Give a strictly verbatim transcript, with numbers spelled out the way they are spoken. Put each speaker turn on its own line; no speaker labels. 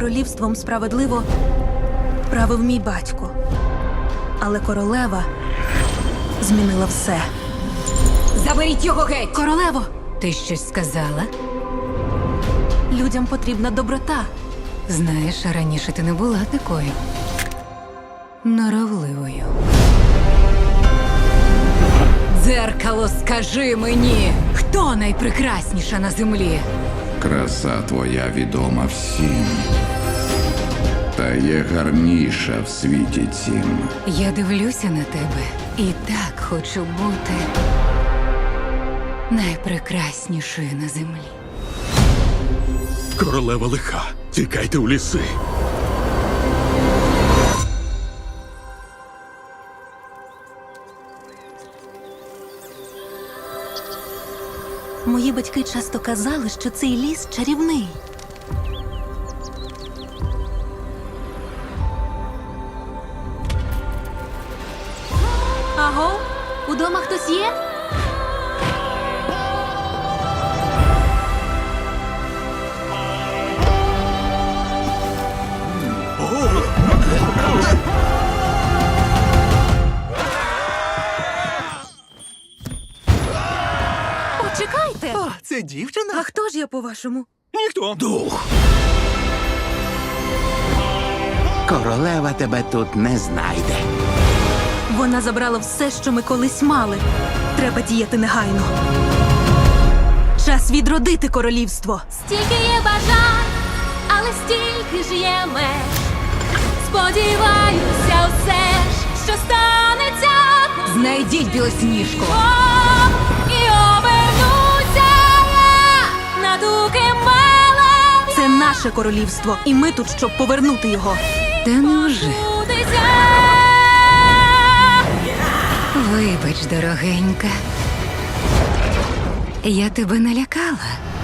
Королівством справедливо правив мій батько. Але королева змінила все.
Заберіть його геть!
Королево,
Ти щось сказала?
людям потрібна доброта.
Знаєш, раніше ти не була такою норовливою. Дзеркало, скажи мені, хто найпрекрасніша на землі?
Краса твоя відома всім, та є гарніша в світі цім.
Я дивлюся на тебе і так хочу бути найпрекраснішою на землі.
Королева лиха. Тікайте у ліси.
Мої батьки часто казали, що цей ліс чарівний. Аго, удома хтось є? Почекайте!
О, це дівчина?
А хто ж я, по-вашому?
Ніхто.
Дух.
Королева тебе тут не знайде.
Вона забрала все, що ми колись мали. Треба діяти негайно. Час відродити королівство.
Стільки є бажань, але стільки ж є меж. Сподіваюся, все ж, що станеться.
Знайдіть білосніжку!
О, і обернуся я на дуки мелем.
Це наше королівство, і ми тут, щоб повернути його.
Та невже?
Будеться.
Вибач, дорогенька. Я тебе налякала.